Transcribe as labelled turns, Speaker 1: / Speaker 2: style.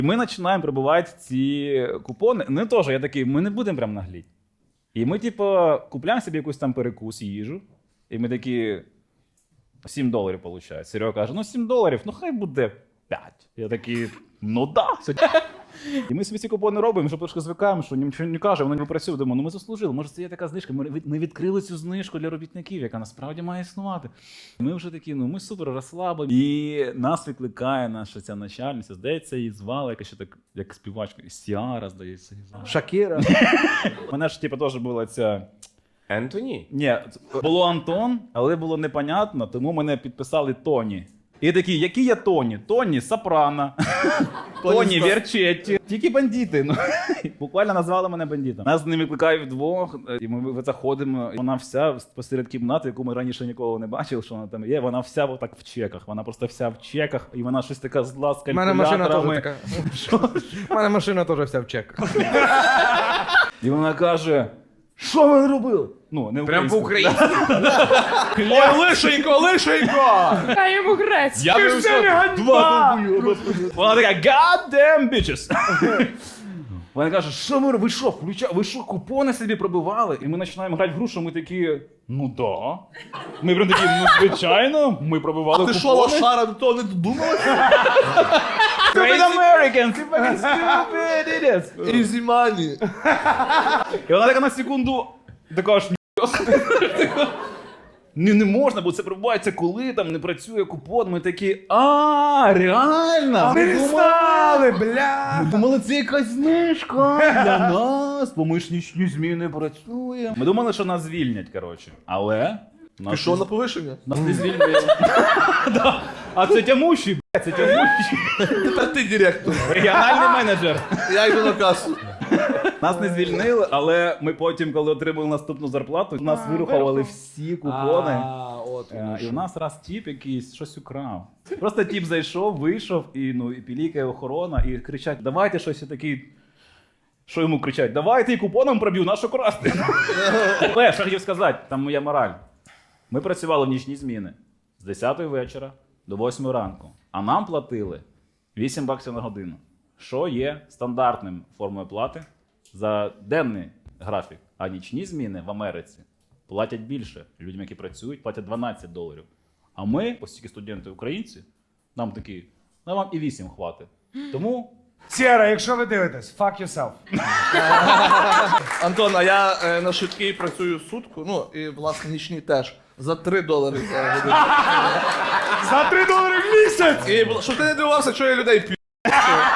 Speaker 1: Ми починаємо прибувати ці купони. Ну теж, я такий, ми не будемо прям нагліть. І ми, типу, купляємо собі якусь там перекус, їжу. І ми такі, $7 виходить. Серега каже, ну $7, ну хай буде 5. Я такий, ну да. І ми собі ці купони робимо, що трошки звикаємо, що нічого не каже, воно не працює. Думаю, ну ми заслужили, може це є така знижка. Ми відкрили цю знижку для робітників, яка насправді має існувати. І ми вже такі, ну ми супер розслаблені. І нас викликає наша ця начальниця, здається, її звали, яка ще так, як співачка, Сіара, здається.
Speaker 2: Шакіра.
Speaker 1: У мене ж, типу, теж була ця...
Speaker 3: Ентоні?
Speaker 1: Ні, було Антон, але було непонятно, тому мене підписали Тоні. І такі, які я Тоні? Тоні Сопрано, Тоні Верчетті. Тільки бандити. Ну. Буквально назвали мене бандитом. Нас з ними викликають вдвох, і ми заходимо. Вона вся посеред кімнати, яку ми раніше ніколи не бачили, що вона там є. Вона вся отак в чеках. Вона просто вся в чеках, і вона щось така зла з
Speaker 2: У мене машина теж
Speaker 1: калькуляторами.
Speaker 2: така. У мене машина теж вся в чеках.
Speaker 1: І вона каже, що ви робили? Ну, не
Speaker 3: Прям
Speaker 1: українською.
Speaker 3: по-українськи. Ой, лишенько!
Speaker 4: Хай йому грець.
Speaker 1: Я би все два. Вона така, God damn bitches. Вона каже, що ви що, ви що, купони собі пробивали? І ми починаємо грати в гру, що ми такі, ну да. Ми прям такі, ну звичайно, ми пробивали купони.
Speaker 5: Ти що, лошара, до того не додумалася?
Speaker 1: Stupid Americans, you fucking stupid idiots.
Speaker 5: Easy money.
Speaker 1: І вона така на секунду, така аж не можна, бо це пробувається, коли там не працює купон. Ми такі, реально?
Speaker 2: Ми знали, бля!
Speaker 1: Ми думали, це якась знижка для нас, бо ми ж нічні зміни працюємо. Ми думали, що нас звільнять, коротше. Але
Speaker 5: Пішов на повишення.
Speaker 1: нас не звільнили. Да. А це тямущий, блядь, це тямущий.
Speaker 5: Тепер ти директор.
Speaker 1: Регіональний менеджер.
Speaker 5: Я йду на касу.
Speaker 1: Нас не звільнили, але ми потім, коли отримали наступну зарплату, нас вирухували всі купони. І у нас раз тіп якийсь щось украв. Просто тіп зайшов, вийшов, і, ну, і пілікає охорона, і кричать, давайте щось такий. Що йому кричать? Давайте і купоном проб'ю, нащо красти? Але, що хотів сказати, там моя мораль. Ми працювали в нічні зміни з 10 вечора до 8 ранку, а нам платили $8 на годину, що є стандартним формою плати за денний графік. А нічні зміни в Америці платять більше. Людям, які працюють, платять $12. А ми, оскільки студенти українці, нам такі, ну вам і 8 хватить. Тому...
Speaker 2: Сєра, якщо ви дивитесь, fuck yourself.
Speaker 5: Антон, а я на швидкій працюю сутку, ну і власне нічні теж. За $3 за годину.
Speaker 2: За $3 в місяць!
Speaker 5: І щоб ти не дивувався, що я людей п'ю.